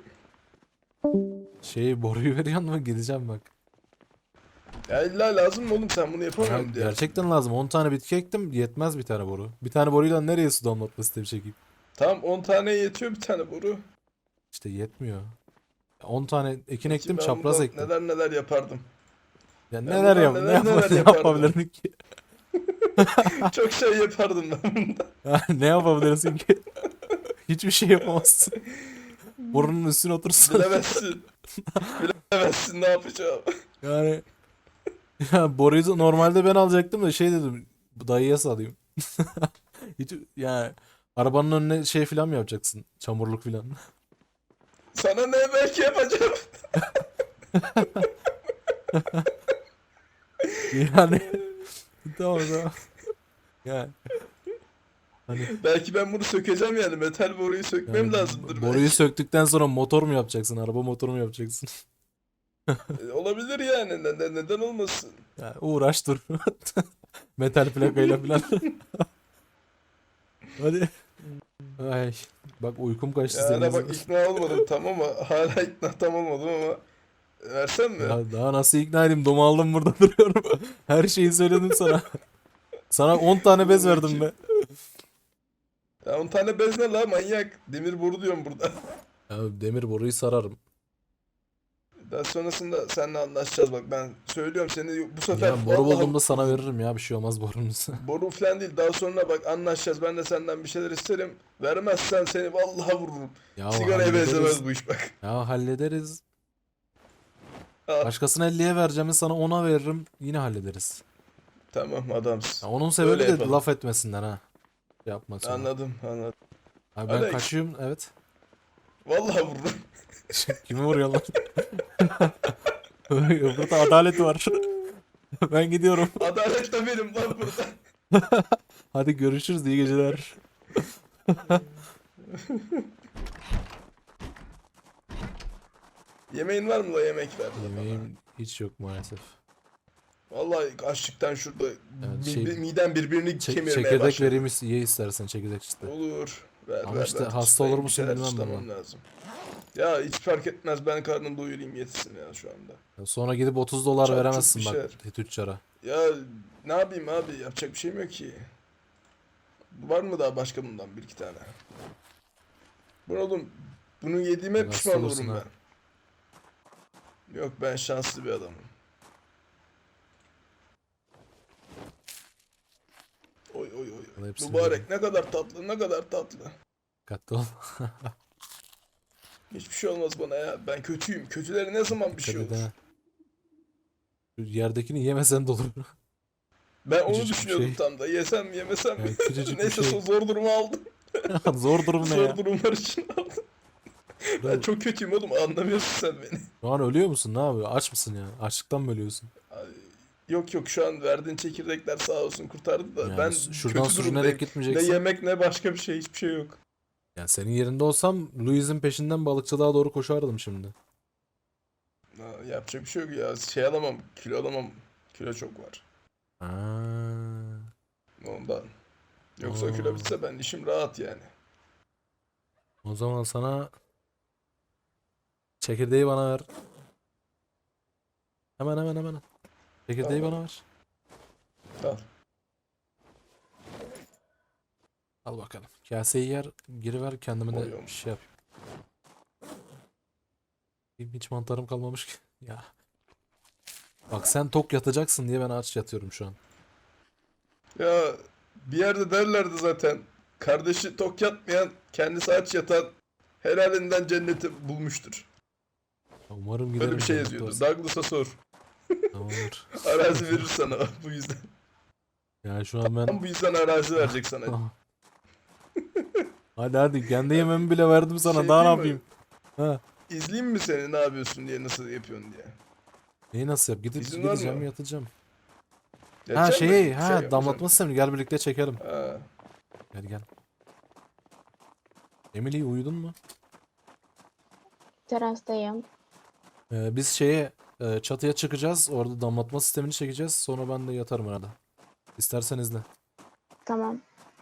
[SPEAKER 1] Boruyu veriyor mu? Gideceğim bak.
[SPEAKER 6] Ya illa lazım mı oğlum sen bunu
[SPEAKER 1] Ya
[SPEAKER 6] yapamıyorum diye.
[SPEAKER 1] gerçekten lazım. 10 tane bitki ektim. Yetmez bir tane boru. Bir tane boruyla nereye su damlatma sistemi çekeyim?
[SPEAKER 6] Tamam 10 tane yetiyor bir tane boru.
[SPEAKER 1] İşte yetmiyor. 10 tane ekin
[SPEAKER 6] Peki
[SPEAKER 1] ektim,
[SPEAKER 6] ben
[SPEAKER 1] çapraz
[SPEAKER 6] bundan
[SPEAKER 1] ektim.
[SPEAKER 6] neler yapardım.
[SPEAKER 1] Ya
[SPEAKER 6] ben
[SPEAKER 1] neler
[SPEAKER 6] bundan
[SPEAKER 1] yap,
[SPEAKER 6] neler
[SPEAKER 1] ne yap, ne
[SPEAKER 6] yapardım.
[SPEAKER 1] yapabilirdin ki?
[SPEAKER 6] Çok şey yapardım ben bundan.
[SPEAKER 1] Ya ne yapabilirsin ki? Hiçbir şey yapamazsın. Borunun üstüne otursan.
[SPEAKER 6] Bilemezsin. Bilemezsin ne yapacağım.
[SPEAKER 1] Yani ya boruyu da normalde ben alacaktım da şey dedim. Bu dayıya salayım. Hiç yani arabanın önüne şey filan mı yapacaksın? Çamurluk filan.
[SPEAKER 6] Sana ne belki yapacağım.
[SPEAKER 1] Yani tamam tamam. Yani hani
[SPEAKER 6] Belki ben bunu sökeceğim yani. Metal boruyu sökmem
[SPEAKER 1] yani
[SPEAKER 6] lazımdır
[SPEAKER 1] boruyu
[SPEAKER 6] belki.
[SPEAKER 1] söktükten sonra motor mu yapacaksın? Araba motoru mu yapacaksın?
[SPEAKER 6] Olabilir yani. Neden olmasın?
[SPEAKER 1] Ya uğraş dur. Metal plakayla filan. Hadi. Ay bak uykum kaçtı senin
[SPEAKER 6] Yani bak
[SPEAKER 1] yüzünden.
[SPEAKER 6] ikna olmadım tamam ama hala ikna tam olmadım ama versem mi?
[SPEAKER 1] Ya daha nasıl ikna edeyim? Domu aldım burada duruyorum. Her şeyi söyledim sana. Sana 10 tane bez verdim be.
[SPEAKER 6] Ya 10 tane bez ne la manyak? Demir boru diyorum burada.
[SPEAKER 1] Ya demir boruyu sararım.
[SPEAKER 6] Daha sonrasında seninle anlaşacağız bak ben söylüyorum seni bu sefer
[SPEAKER 1] Ya boru
[SPEAKER 6] vallahi
[SPEAKER 1] bulduğumda sana veririm ya bir şey olmaz borunuz.
[SPEAKER 6] boru falan değil daha sonra bak anlaşacağız ben de senden bir şeyler isterim vermezsen seni vallahi vururum.
[SPEAKER 1] Ya
[SPEAKER 6] Sigaraya
[SPEAKER 1] hallederiz.
[SPEAKER 6] benzemez bu iş bak.
[SPEAKER 1] Ya hallederiz.
[SPEAKER 6] Al.
[SPEAKER 1] Başkasına 50'ye vereceğimi sana 10'a veririm. Yine hallederiz.
[SPEAKER 6] Tamam adamsın.
[SPEAKER 1] Ya onun sebebi
[SPEAKER 6] Öyle
[SPEAKER 1] de
[SPEAKER 6] yapalım.
[SPEAKER 1] laf etmesinden ha. Yapma sonra.
[SPEAKER 6] Anladım.
[SPEAKER 1] Abi ben
[SPEAKER 6] Alex.
[SPEAKER 1] kaçıyorum evet.
[SPEAKER 6] Vallahi vururum.
[SPEAKER 1] Kimi vuruyor lan? Burada adalet var. Ben gidiyorum.
[SPEAKER 6] Adalet de benim lan burada.
[SPEAKER 1] Hadi görüşürüz iyi geceler.
[SPEAKER 6] Yemeğin var mı la yemek ver.
[SPEAKER 1] Yemeğim hiç yok maalesef.
[SPEAKER 6] Vallahi açlıktan şurada midem birbirini kemirmeye
[SPEAKER 1] Çekirdek
[SPEAKER 6] başladı.
[SPEAKER 1] vereyim ye istersen çekirdek işte.
[SPEAKER 6] Olur. Ver
[SPEAKER 1] Ama
[SPEAKER 6] ver
[SPEAKER 1] işte
[SPEAKER 6] ver.
[SPEAKER 1] hasta olur
[SPEAKER 6] Bir
[SPEAKER 1] musun
[SPEAKER 6] şeyler
[SPEAKER 1] bilmem
[SPEAKER 6] çıtlamam
[SPEAKER 1] ama.
[SPEAKER 6] lazım. Ya hiç fark etmez ben karnım doyurayım yetsin ya şu anda.
[SPEAKER 1] Sonra gidip 30 dolar
[SPEAKER 6] Çok
[SPEAKER 1] veremezsin
[SPEAKER 6] bir
[SPEAKER 1] bak
[SPEAKER 6] şeyler.
[SPEAKER 1] tüccara.
[SPEAKER 6] Ya ne yapayım abi yapacak bir şeyim yok ki. Var mı daha başka bundan bir iki tane? Bu oğlum bunu yediğime
[SPEAKER 1] Hasta
[SPEAKER 6] pişman
[SPEAKER 1] olursun
[SPEAKER 6] olurum
[SPEAKER 1] ha.
[SPEAKER 6] ben. Yok ben şanslı bir adamım.
[SPEAKER 1] Vallahi hepsini
[SPEAKER 6] Mübarek
[SPEAKER 1] yerim.
[SPEAKER 6] ne kadar tatlı, ne kadar tatlı.
[SPEAKER 1] Dikkatli ol.
[SPEAKER 6] Hiçbir şey olmaz bana ya. Ben kötüyüm. Kötülere ne zaman bir
[SPEAKER 1] Dikkat
[SPEAKER 6] şey
[SPEAKER 1] et
[SPEAKER 6] olur?
[SPEAKER 1] ha. Şu yerdekini yemesen de olur.
[SPEAKER 6] Ben onu
[SPEAKER 1] Küçücük bir
[SPEAKER 6] düşünüyordum
[SPEAKER 1] şey.
[SPEAKER 6] tam da. Yesem mi yemesem mi?
[SPEAKER 1] Yani küçücük bir
[SPEAKER 6] Neyse
[SPEAKER 1] şey.
[SPEAKER 6] zor durumu aldım.
[SPEAKER 1] Zor durum ne ya?
[SPEAKER 6] Zor durumlar için aldım. Ben
[SPEAKER 1] Kral,
[SPEAKER 6] çok kötüyüm oğlum. Anlamıyorsun sen beni.
[SPEAKER 1] şu an ölüyor musun? Ne yapıyor? Aç mısın ya? Açlıktan mı ölüyorsun?
[SPEAKER 6] Ay, yok yok şu an verdiğin çekirdekler sağ olsun kurtardı da
[SPEAKER 1] Yani
[SPEAKER 6] ben
[SPEAKER 1] şuradan
[SPEAKER 6] kötü
[SPEAKER 1] sürünerek
[SPEAKER 6] durumdayım. Ne
[SPEAKER 1] gitmeyeceksin.
[SPEAKER 6] yemek ne başka bir şey hiçbir şey yok.
[SPEAKER 1] Yani senin yerinde olsam Louis'in peşinden balıkçılığa doğru koşardım şimdi.
[SPEAKER 6] Yapacak bir şey yok ya. Şey alamam, kilo alamam. Kilo çok var.
[SPEAKER 1] Ha.
[SPEAKER 6] Ondan. Yoksa kilo
[SPEAKER 1] Aa.
[SPEAKER 6] bitse ben işim rahat yani.
[SPEAKER 1] O zaman sana çekirdeği bana ver. Hemen. Çekirdeği
[SPEAKER 6] Tamam.
[SPEAKER 1] bana ver.
[SPEAKER 6] Al.
[SPEAKER 1] Al bakalım. Kaseyi yer, giriver kendime de
[SPEAKER 6] Koyuyorum.
[SPEAKER 1] bir şey yapayım. Hiç mantarım kalmamış ki. Ya. Bak sen tok yatacaksın diye ben aç yatıyorum şu an.
[SPEAKER 6] Ya bir yerde derlerdi zaten. Kardeşi tok yatmayan, kendisi aç yatan helalinden cenneti bulmuştur.
[SPEAKER 1] Umarım
[SPEAKER 6] Böyle
[SPEAKER 1] giderim
[SPEAKER 6] bir şey
[SPEAKER 1] cennette
[SPEAKER 6] yazıyordu.
[SPEAKER 1] olsa.
[SPEAKER 6] Douglas'a sor.
[SPEAKER 1] Tamamdır.
[SPEAKER 6] Arazi verir sana bu yüzden.
[SPEAKER 1] Yani şu an ben...
[SPEAKER 6] Tam bu yüzden arazi verecek sana.
[SPEAKER 1] Hadi kendi yememi bile verdim sana.
[SPEAKER 6] Şey
[SPEAKER 1] Daha ne
[SPEAKER 6] değil mi?
[SPEAKER 1] yapayım? Ha.
[SPEAKER 6] İzleyeyim mi seni ne yapıyorsun diye, nasıl yapıyorsun diye.
[SPEAKER 1] Neyi nasıl yap?
[SPEAKER 6] İzin var
[SPEAKER 1] Gideceğim
[SPEAKER 6] mı?
[SPEAKER 1] yatacağım. Ha
[SPEAKER 6] Yatacak mısın?
[SPEAKER 1] şey,
[SPEAKER 6] Bir
[SPEAKER 1] ha
[SPEAKER 6] şey yapacağım.
[SPEAKER 1] damlatma sistemi. Gel birlikte çekelim.
[SPEAKER 6] Ha.
[SPEAKER 1] Gel. Emily uyudun mu?
[SPEAKER 4] Terastayım.
[SPEAKER 1] Biz şeye çatıya çıkacağız. Orada damlatma sistemini çekeceğiz. Sonra ben de yatarım arada. İstersen izle.
[SPEAKER 4] Tamam.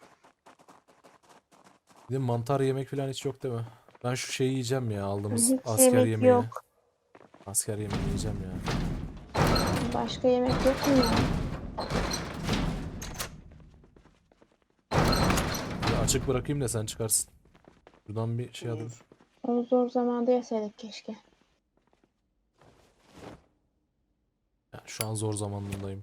[SPEAKER 1] Bir de mantar yemek falan hiç yok değil mi? Ben şu şeyi yiyeceğim ya. Aldığımız
[SPEAKER 4] Hiç
[SPEAKER 1] asker
[SPEAKER 4] yemek
[SPEAKER 1] yemeği.
[SPEAKER 4] yok.
[SPEAKER 1] Asker yemeği yiyeceğim ya.
[SPEAKER 4] Başka yemek yok mu ya?
[SPEAKER 1] Bir açık bırakayım da sen çıkarsın. Buradan bir şey alayım.
[SPEAKER 6] Olur.
[SPEAKER 4] Onu zor zamanda yeseydik keşke.
[SPEAKER 1] Ya, şu an zor zamanındayım.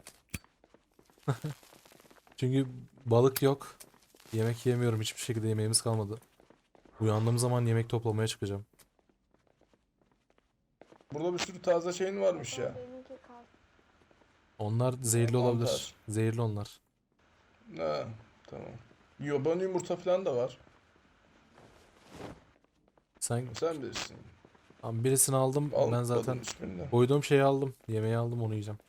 [SPEAKER 1] Çünkü balık yok. Yemek yemiyorum. Hiçbir şekilde yemeğimiz kalmadı. Uyandığım zaman yemek toplamaya çıkacağım.
[SPEAKER 6] Burada bir sürü taze şeyin varmış ya.
[SPEAKER 1] Onlar zehirli
[SPEAKER 6] Mantar.
[SPEAKER 1] olabilir. Zehirli onlar.
[SPEAKER 6] Ha, tamam. Yabani yumurta falan da var.
[SPEAKER 1] Sen
[SPEAKER 6] Sen bilirsin.
[SPEAKER 1] Tamam, birisini aldım. Ben
[SPEAKER 6] Almadın
[SPEAKER 1] zaten
[SPEAKER 6] hiçbirini.
[SPEAKER 1] koyduğum şeyi aldım. Yemeği aldım, onu yiyeceğim.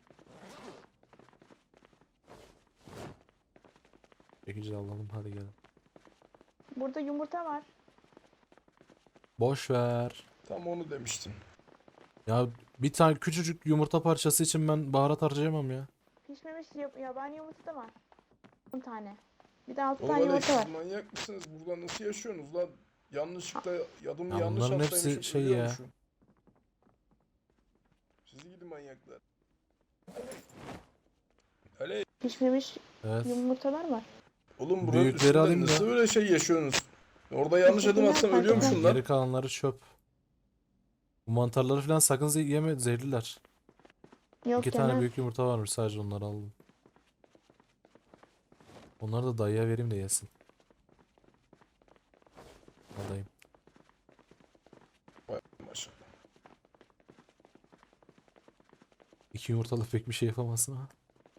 [SPEAKER 1] Çekici alalım, hadi gelin.
[SPEAKER 4] Burada yumurta var.
[SPEAKER 1] Boş ver.
[SPEAKER 6] Tam onu demiştim.
[SPEAKER 1] Ya bir tane küçücük yumurta parçası için ben baharat harcayamam ya.
[SPEAKER 4] Pişmemiş yabani yumurta da var. 10 tane. Bir de 6
[SPEAKER 6] Oğlum
[SPEAKER 4] tane
[SPEAKER 6] öyle
[SPEAKER 4] yumurta var.
[SPEAKER 6] siz manyak mısınız? Burada nasıl yaşıyorsunuz lan? Yanlışlıkla adımı
[SPEAKER 1] Ya
[SPEAKER 6] yanlış
[SPEAKER 1] bunların hepsi
[SPEAKER 6] atlaymışım,
[SPEAKER 1] şey ya.
[SPEAKER 6] ölüyormuşum. Sizi gidi manyaklar. Öyle
[SPEAKER 4] Pişmemiş
[SPEAKER 1] Evet.
[SPEAKER 4] yumurtalar var.
[SPEAKER 6] oğlum buranın
[SPEAKER 1] Büyükleri
[SPEAKER 6] üstünde
[SPEAKER 1] alayım da.
[SPEAKER 6] nasıl böyle şey yaşıyorsunuz? Orada yanlış adım atsam
[SPEAKER 4] Fark
[SPEAKER 6] ölüyormuşum
[SPEAKER 4] etmez.
[SPEAKER 6] lan.
[SPEAKER 1] Geri kalanları çöp. Bu mantarları falan sakın yeme, zehirliler.
[SPEAKER 4] Yok
[SPEAKER 1] 2 tane
[SPEAKER 4] yemem.
[SPEAKER 1] büyük yumurta varmış, sadece onları aldım. Onları da dayıya vereyim de yesin. Alayım.
[SPEAKER 6] Maşallah.
[SPEAKER 1] 2 yumurtalı pek bir şey yapamazsın ha.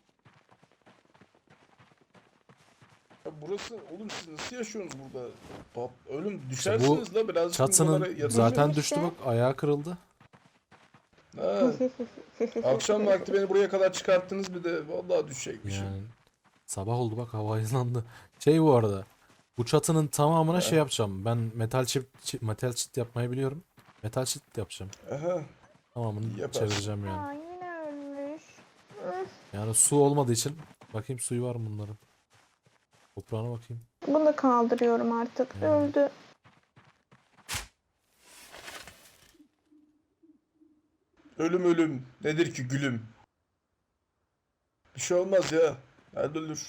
[SPEAKER 6] Ya burası oğlum siz nasıl yaşıyorsunuz burada? Ölüm düşersiniz la birazcık
[SPEAKER 1] Çatının
[SPEAKER 6] buralara yatın.
[SPEAKER 1] zaten
[SPEAKER 4] işte.
[SPEAKER 1] düştü bak, ayağı kırıldı.
[SPEAKER 6] Ha, akşam vakti beni buraya kadar çıkarttınız bir de vallahi düşecekmişim.
[SPEAKER 1] Yani sabah oldu bak, hava aydınlandı. Şey bu arada. Bu çatının tamamına şey yapacağım. Ben metal çit yapmayı biliyorum. Metal çit yapacağım.
[SPEAKER 6] Aha.
[SPEAKER 1] Tamamını
[SPEAKER 6] Yaparsın.
[SPEAKER 1] çevireceğim yani.
[SPEAKER 4] Aa, yine ölmüş.
[SPEAKER 1] Yani su olmadığı için bakayım suyu var mı bunların. Toprağına bakayım.
[SPEAKER 4] Bunu da kaldırıyorum artık.
[SPEAKER 1] Hmm.
[SPEAKER 4] Öldü.
[SPEAKER 6] Ölüm nedir ki gülüm? Bir şey olmaz ya. Hadi ölür.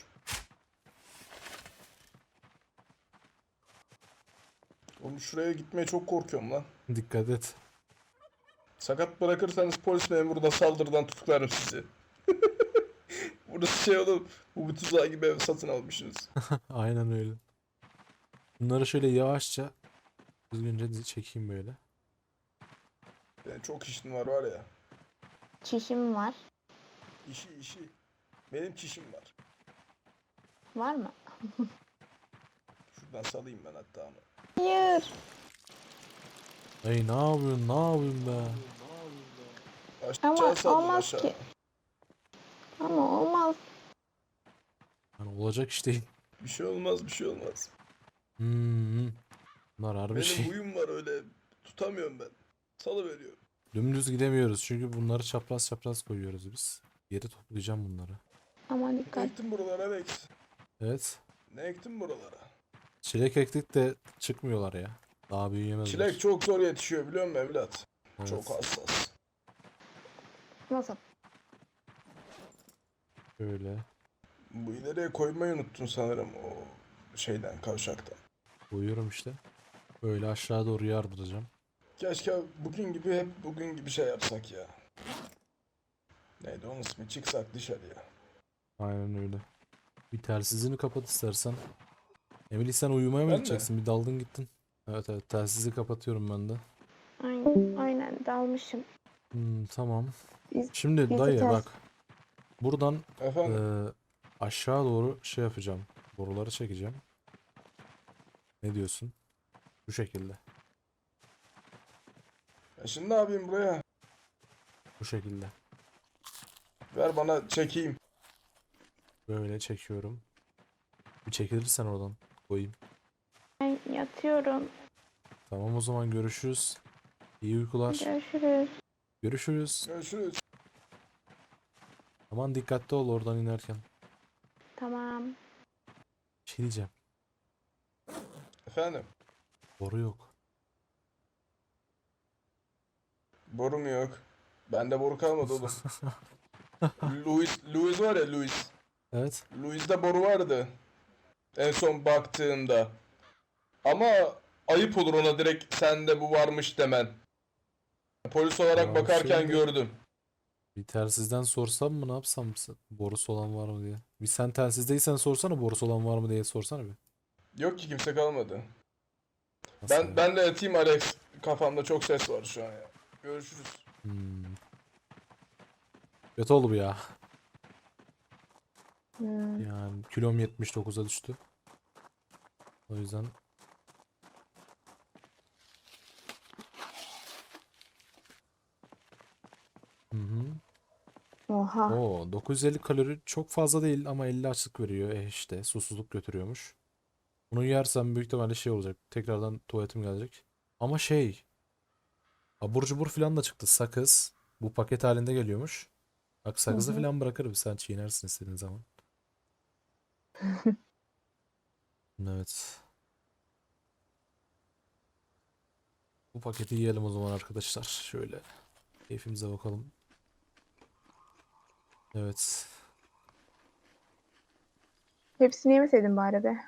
[SPEAKER 6] Oğlum şuraya gitmeye çok korkuyorum lan.
[SPEAKER 1] Dikkat et.
[SPEAKER 6] Sakat bırakırsanız polis memuru da saldırıdan tutuklarım sizi. Burası şey oğlum. Bu tuzağı gibi ev satın almışsınız.
[SPEAKER 1] Aynen öyle. Bunları şöyle yavaşça düzgünce çekeyim böyle.
[SPEAKER 6] Benim çok işim var ya.
[SPEAKER 4] Çişim var.
[SPEAKER 6] İşi. Benim çişim var.
[SPEAKER 4] Var mı?
[SPEAKER 6] Şuradan salayım ben hatta onu.
[SPEAKER 4] Hayır.
[SPEAKER 1] Ay ne yapıyorsun? Ne yapıyorsun be?
[SPEAKER 6] Aşağı
[SPEAKER 4] Ama
[SPEAKER 6] saldım
[SPEAKER 4] olmaz
[SPEAKER 6] aşağı.
[SPEAKER 4] ki. Ama olmaz.
[SPEAKER 1] Yani olacak iş değil.
[SPEAKER 6] Bir şey olmaz.
[SPEAKER 1] Hmm. Bunlar harbi
[SPEAKER 6] Benim
[SPEAKER 1] şey.
[SPEAKER 6] huyum var öyle. Tutamıyorum ben. Salıveriyorum.
[SPEAKER 1] Dümdüz gidemiyoruz çünkü bunları çapraz çapraz koyuyoruz biz. Geri toplayacağım bunları.
[SPEAKER 4] Ama
[SPEAKER 6] Ne
[SPEAKER 4] dikkat.
[SPEAKER 6] ektin buralara Alex?
[SPEAKER 1] Evet.
[SPEAKER 6] Ne ektin buralara?
[SPEAKER 1] Çilek ektik de çıkmıyorlar ya. Daha büyüyemezler.
[SPEAKER 6] Çilek çok zor yetişiyor biliyor musun evlat?
[SPEAKER 1] Evet.
[SPEAKER 6] Çok hassas.
[SPEAKER 4] Nasıl?
[SPEAKER 1] Şöyle
[SPEAKER 6] Bu ileriye koymayı unuttun sanırım o şeyden kavşaktan.
[SPEAKER 1] koyuyorum işte. Böyle aşağı doğru yardıracağım.
[SPEAKER 6] Keşke bugün gibi şey yapsak ya. Neydi onun ismi? Çıksak dışarıya.
[SPEAKER 1] Aynen öyle. Bir telsizini kapat istersen. Emily sen uyumaya mı
[SPEAKER 6] Ben mi?
[SPEAKER 1] gideceksin? Bir daldın gittin. Evet telsizi kapatıyorum ben de.
[SPEAKER 4] Aynen dalmışım.
[SPEAKER 1] Tamam.
[SPEAKER 4] Biz-
[SPEAKER 1] Şimdi
[SPEAKER 4] biz de
[SPEAKER 1] dayı
[SPEAKER 4] ters-
[SPEAKER 1] bak. Buradan
[SPEAKER 6] Efendim?
[SPEAKER 1] aşağı doğru şey yapacağım. Boruları çekeceğim. Ne diyorsun? Bu şekilde.
[SPEAKER 6] Şimdi ne yapayım buraya?
[SPEAKER 1] Bu şekilde.
[SPEAKER 6] Ver bana çekeyim.
[SPEAKER 1] Böyle çekiyorum. Bir çekilirsen oradan koyayım.
[SPEAKER 4] Ben yatıyorum.
[SPEAKER 1] Tamam o zaman görüşürüz. İyi uykular.
[SPEAKER 4] Görüşürüz.
[SPEAKER 1] Görüşürüz.
[SPEAKER 6] Görüşürüz.
[SPEAKER 1] Aman dikkatli ol oradan inerken.
[SPEAKER 4] Tamam.
[SPEAKER 1] Bir şey diyeceğim.
[SPEAKER 6] Efendim?
[SPEAKER 1] Boru yok.
[SPEAKER 6] Boru mu yok? Bende boru kalmadı oğlum. Louis var ya Louis.
[SPEAKER 1] Evet.
[SPEAKER 6] Louis'de boru vardı. En son baktığımda. Ama ayıp olur ona direkt sende bu varmış demen. Polis olarak
[SPEAKER 1] Ya
[SPEAKER 6] bakarken
[SPEAKER 1] şimdi-
[SPEAKER 6] gördüm.
[SPEAKER 1] Bir telsizden sorsam mı ne yapsam borusu olan var mı diye. Bir sen telsizdeysen sorsana borusu olan var mı diye sorsana bir.
[SPEAKER 6] Yok ki kimse kalmadı.
[SPEAKER 1] Nasıl ya?
[SPEAKER 6] Ben de yatayım Alex. Kafamda çok ses var şu an ya. Görüşürüz.
[SPEAKER 1] Kötü oldu bu ya.
[SPEAKER 4] Hmm.
[SPEAKER 1] Yani kilom 79'a düştü. O yüzden Hı hı.
[SPEAKER 4] Oha.
[SPEAKER 1] Oo, 950 kalori çok fazla değil ama 50 açlık veriyor. İşte susuzluk götürüyormuş. Bunu yersem büyük ihtimalle şey olacak. Tekrardan tuvaletim gelecek. Ama şey, abur cubur falan da çıktı. Sakız. Bu paket halinde geliyormuş. Bak sakızı
[SPEAKER 4] hı.
[SPEAKER 1] falan bırakırım. Sen çiğnersin istediğin zaman. Evet. Bu paketi yiyelim o zaman arkadaşlar. Şöyle keyfimize bakalım. Evet.
[SPEAKER 4] Hepsini yemeseydin bari be.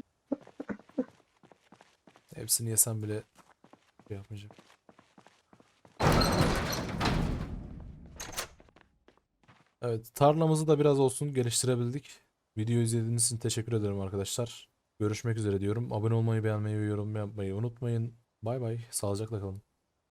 [SPEAKER 1] Hepsini yesem bile şey yapmayacağım. Evet, tarlamızı da biraz olsun geliştirebildik. Video izlediğiniz için teşekkür ederim arkadaşlar. Görüşmek üzere diyorum. Abone olmayı, beğenmeyi ve yorum yapmayı unutmayın. Bay bay. Sağlıcakla kalın.